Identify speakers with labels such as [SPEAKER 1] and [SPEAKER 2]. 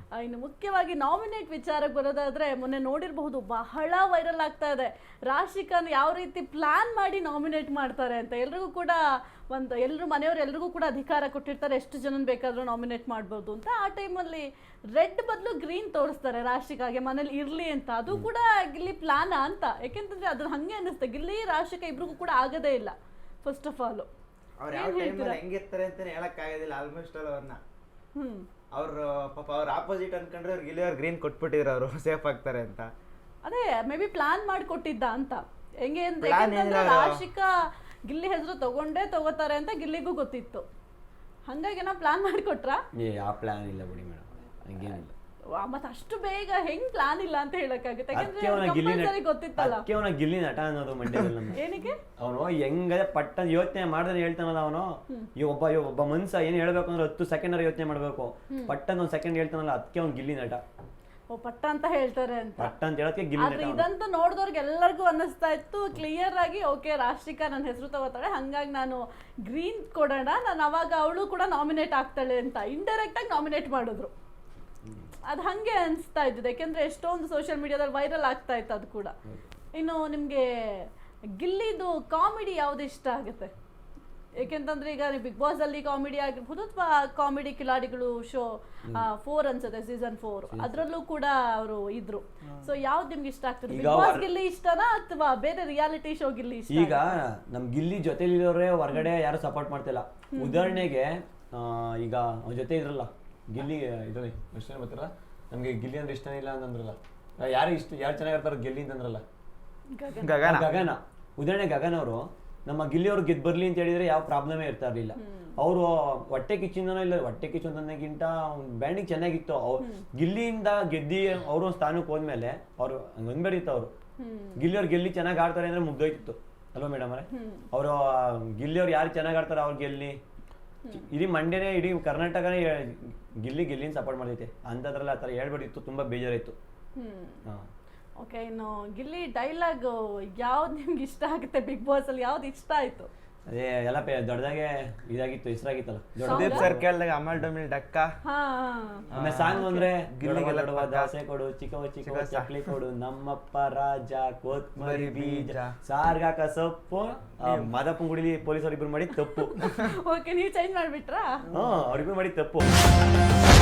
[SPEAKER 1] ಇನ್ನು ಮುಖ್ಯವಾಗಿ ನಾಮಿನೇಟ್ ವಿಚಾರಕ್ಕೆ ಬರೋದಾದ್ರೆ ಮೊನ್ನೆ ನೋಡಿರಬಹುದು ಬಹಳ ವೈರಲ್ ಆಗ್ತಾ ಇದೆ ರಾಶಿಕಾನ್ ಯಾವ ರೀತಿ ಪ್ಲಾನ್ ಮಾಡಿ ನಾಮಿನೇಟ್ ಮಾಡ್ತಾರೆ ಅಂತ. ಎಲ್ರಿಗೂ ಕೂಡ ಎಲ್ಲರೂ ಮನೆಯವರು ಎಲ್ರಿಗೂ ಕೂಡ ಅಧಿಕಾರ ಕೊಟ್ಟಿರ್ತಾರೆ ಎಷ್ಟು ಜನ ಬೇಕಾದರೂ ನಾಮಿನೇಟ್ ಮಾಡ್ಬೋದು ಅಂತ. ಆ ಟೈಮಲ್ಲಿ ರೆಡ್ ಬದಲು ಗ್ರೀನ್ ತೋರಿಸ್ತಾರೆ ರಾಶಿಕಾಗೆ ಮನೇಲಿ ಇರಲಿ ಅಂತ. ಅದು ಕೂಡ ಗಿಲ್ಲಿ ಪ್ಲಾನ ಅಂತ, ಯಾಕೆಂತಂದ್ರೆ ಅದು ಹಂಗೆ ಅನ್ನಿಸುತ್ತೆ ಗಿಲ್ಲಿ ರಾಶಿಕಾ ಇಬ್ರಿಗೂ ಕೂಡ ಆಗದೇ ಇಲ್ಲ. ಫಸ್ಟ್ ಆಫ್ ಆಲ್
[SPEAKER 2] ಅವ್ರು ಯಾವ ಟೈಮಲ್ಲಿ ಹೆಂಗಿರ್ತಾರೆ ಅಂತಾನೆ ಹೇಳಕ್ ಆಗೋದಿಲ್ಲ. ಆಲ್ಮೋಸ್ಟ್ ಅವ್ರನ್ನ ಅವ್ರು ಪಾಪ ಅವ್ರ ಆಪೋಸಿಟ್ ಅನ್ಕೊಂಡ್ರೆ ಅವ್ರಿಗೆ ಇಲ್ಲಿ ಅವ್ರು ಗ್ರೀನ್ ಕೊಟ್ಬಿಟ್ಟಿದ್ರು ಅವರು ಸೇಫ್ ಆಗ್ತಾರೆ ಅಂತ.
[SPEAKER 1] ಅದೇ ಮೇ ಬಿ ಪ್ಲಾನ್ ಮಾಡಿ ಕೊಟ್ಟಿದ್ದ ಅಂತ. ಹೆಂಗೆ ಅಂದ್ರೆ ರಾಶಿಕಾ ಗಿಲ್ಲಿ ಹೆಸರು ತಗೋತಾರೆ ಅಂತ ಗಿಲ್ಲಿಗೂ ಗೊತ್ತಿತ್ತು, ಹಂಗಾಗಿ ನಾವು ಪ್ಲಾನ್ ಮಾಡಿಕೊಟ್ರ.
[SPEAKER 3] ಆ ಪ್ಲಾನ್ ಇಲ್ಲ ಬಿಡಿ ಮೇಡಮ್, ಹಂಗೇನಿಲ್ಲ.
[SPEAKER 1] ಮತ್ತೆ ಅಷ್ಟು ಬೇಗ ಹೆಂಗ್ ಪ್ಲಾನ್ ಇಲ್ಲ ಅಂತ ಹೇಳಕ್ಕಾಗುತ್ತೆ, ಗೊತ್ತಿತ್ತಲ್ಲ.
[SPEAKER 3] ಅವನ ಗಿಲ್ಲಿ ನಟ ಅನ್ನೋದು ಮಂಡ್ಯದಲ್ಲಿ.
[SPEAKER 1] ಏನಕ್ಕೆ
[SPEAKER 3] ಅವನು ಹೆಂಗ ಪಟ್ಟ ಯೋಚನೆ ಮಾಡ್ದೆ ಹೇಳ್ತಾನಲ್ಲ ಅವನು. ಒಬ್ಬ ಮನ್ಸ ಏನ್ ಹೇಳ್ಬೇಕು ಅಂದ್ರೆ 10 ಸೆಕೆಂಡ್ ಯೋಚನೆ ಮಾಡ್ಬೇಕು, ಪಟ್ಟನ್ 1 ಸೆಕೆಂಡ್ ಹೇಳ್ತಾನಲ್ಲ, ಅದಕ್ಕೆ ಅವ್ನು ಗಿಲ್ಲಿ ನಟ.
[SPEAKER 1] ಪಟ್ಟ ಅಂತ ಹೇಳ್ತಾರೆ ಅಂತ.
[SPEAKER 3] ಪಟ್ಟ ಅಂತ ಹೇಳಕ್ಕೆ ಗಿಲ್ಲಿ ನಟ.
[SPEAKER 1] ಇದಂತೂ ನೋಡಿದವ್ರಿಗೆ ಎಲ್ಲರಿಗೂ ಅನ್ನಿಸ್ತಾ ಇತ್ತು ಕ್ಲಿಯರ್ ಆಗಿ, ಓಕೆ ರಾಶಿಕಾ ನನ್ನ ಹೆಸರು ತಗೋತಾಳೆ, ಹಂಗಾಗಿ ನಾನು ಗ್ರೀನ್ ಕೊಡೋಣ, ನಾನು ಅವಾಗ ಅವಳು ಕೂಡ ನಾಮಿನೇಟ್ ಆಗ್ತಾಳೆ ಅಂತ ಇಂಡೈರೆಕ್ಟ್ ಆಗಿ ನಾಮಿನೇಟ್ ಮಾಡಿದ್ರು. ಅದು ಹಂಗೆ ಅನಿಸ್ತಾ ಇದ್ದಿದ್ದು, ಯಾಕೆಂದ್ರೆ ಎಷ್ಟೊಂದು ಸೋಷಿಯಲ್ ಮೀಡಿಯಾದಲ್ಲಿ ವೈರಲ್ ಆಗ್ತಾ ಇತ್ತು ಅದು ಕೂಡ. ಇನ್ನು ನಿಮಗೆ ಗಿಲ್ಲಿದು ಕಾಮಿಡಿ ಯಾವ್ದು ಇಷ್ಟ ಆಗುತ್ತೆ? ಏಕೆಂತಂದ್ರೆ ಈಗ ಬಿಗ್ ಬಾಸ್ ಅಲ್ಲಿ ಕಾಮಿಡಿ ಆಗಿರ್ಬೋದು ಅಥವಾ ಕಾಮಿಡಿ ಕಿಲಾಡಿಗಳು ಶೋ 4 ಅನ್ಸುತ್ತೆ, ಸೀಸನ್ 4 ಅದ್ರಲ್ಲೂ ಕೂಡ ಅವರು ಇದ್ರು. ಸೊ ಯಾವ್ದು ನಿಮ್ಗೆ ಇಷ್ಟ ಆಗ್ತದೆ? ಬಿಗ್ ಬಾಸ್ ಗಿಲ್ಲಿ ಇಷ್ಟನಾ ಅಥವಾ ಬೇರೆ ರಿಯಾಲಿಟಿ ಶೋ ಗಿಲ್ಲಿ ಇಷ್ಟ?
[SPEAKER 3] ಈಗ ನಮ್ ಗಿಲ್ಲಿ ಜೊತೆಲಿರೋರೇ ಹೊರಗಡೆ ಯಾರು ಸಪೋರ್ಟ್ ಮಾಡ್ತಿಲ್ಲ. ಉದಾಹರಣೆಗೆ ಈಗ ಅವ್ನ ಜೊತೆ ಇದ್ರಲ್ಲ ಗಿಲ್ಲಿ ಇದ್ರಲ್ಲಿ ಇಷ್ಟ ಬರ್ತಾರ, ನಮ್ಗೆ ಗಿಲ್ಲಿ ಅಂದ್ರೆ ಇಷ್ಟನೇ ಇಲ್ಲ ಅಂತಂದ್ರಲ್ಲ, ಯಾರು ಚೆನ್ನಾಗಿರ್ತಾರ ಗಿಲ್ಲಿ ಅಂತಂದ್ರಲ್ಲ, ಗಗನ. ಉದಾಹರಣೆ ಗಗನ್ ಅವರು ನಮ್ಮ ಗಿಲ್ಲಿ ಅವ್ರು ಗೆದ್ದು ಬರ್ಲಿ ಅಂತ ಹೇಳಿದ್ರೆ ಯಾವ ಪ್ರಾಬ್ಲಮೇ ಇರ್ತಾ ಇರ್ಲಿಲ್ಲ. ಅವರು ಹೊಟ್ಟೆ ಕಿಚ್ಚಿಂದನೋ ಇಲ್ಲ, ಹೊಟ್ಟೆ ಕಿಚ್ಚು ಅಂತಂದಕ್ಕಿಂತ ಬ್ಯಾಂಡಿಂಗ್ ಚೆನ್ನಾಗಿತ್ತು. ಗಿಲ್ಲಿಯಿಂದ ಗೆದ್ದಿ ಅವರು ಸ್ಥಾನಕ್ಕೆ ಹೋದ್ಮೇಲೆ ಅವ್ರು ಹಂಗಂಬೇಡಿತ್ತು. ಅವರು ಗಿಲ್ಲಿ ಅವ್ರು ಗೆಲ್ಲಿ ಚೆನ್ನಾಗಿ ಆಡ್ತಾರೆ ಅಂದ್ರೆ ಮುಗ್ದೋಯ್ತಿತ್ತು ಅಲ್ವಾ ಮೇಡಮ್ ಅವರೇ? ಅವರು ಗಿಲ್ಲಿ ಅವ್ರು ಯಾರು ಚೆನ್ನಾಗಿ ಆಡ್ತಾರೆ ಅವ್ರು ಗೆಲ್ಲಿ, ಇಡೀ ಮಂಡ್ಯನೇ ಇಡೀ ಕರ್ನಾಟಕನೇ ಗಿಲ್ಲಿನ ಸಪೋರ್ಟ್ ಮಾಡೈತೆ. ಅಂಥದ್ರಲ್ಲಿ ಆ ಥರ ಹೇಳ್ಬಿಟ್ಟಿತ್ತು, ತುಂಬಾ ಬೇಜಾರಾಯ್ತು.
[SPEAKER 1] ಓಕೆ, ಇನ್ನು ಗಿಲ್ಲಿ ಡೈಲಾಗ್ ಯಾವ್ದು ನಿಮ್ಗೆ ಇಷ್ಟ ಆಗುತ್ತೆ ಬಿಗ್ ಬಾಸ್ ಅಲ್ಲಿ? ಯಾವ್ದು ಇಷ್ಟ ಆಯ್ತು?
[SPEAKER 3] ಅದೇ ಎಲ್ಲ ದೊಡ್ಡದಾಗೆ ಇದಾಗಿತ್ತು, ಹೆಸರಾಗಿತ್ತಲ್ಲ.
[SPEAKER 2] ಸುದೀಪ್ ಸರ್ ಕೇಳಿದಾಗ ಅಮಲ್ ಡಮಿಲ್ ಡಕ್ಕ.
[SPEAKER 3] ಆಮೇಲೆ ಸಾಂಗ್ ಅಂದ್ರೆ ಗಿಲ್ಲಿಗೆಲ್ಲ ದೋಸೆ ಕೊಡು, ಚಿಕ್ಕವ ಚಕ್ಲಿ ಕೊಡು, ನಮ್ಮಪ್ಪ ರಾಜ ಕೊತ್ಮರಿ ಬೀಜ, ಸಾರ್ಗಾಕ ಸೊಪ್ಪು, ಮಾದಪ್ಪನ ಗುಡಿಲಿ ಪೊಲೀಸರು ಇಬ್ರು ಮಾಡಿ ತಪ್ಪು.
[SPEAKER 1] ಓಕೆ, ನೀವು ಚೇಂಜ್ ಮಾಡ್ಬಿಟ್ರಾ?
[SPEAKER 3] ಅವ್ರಿಬ್ರು ಮಾಡಿ ತಪ್ಪು.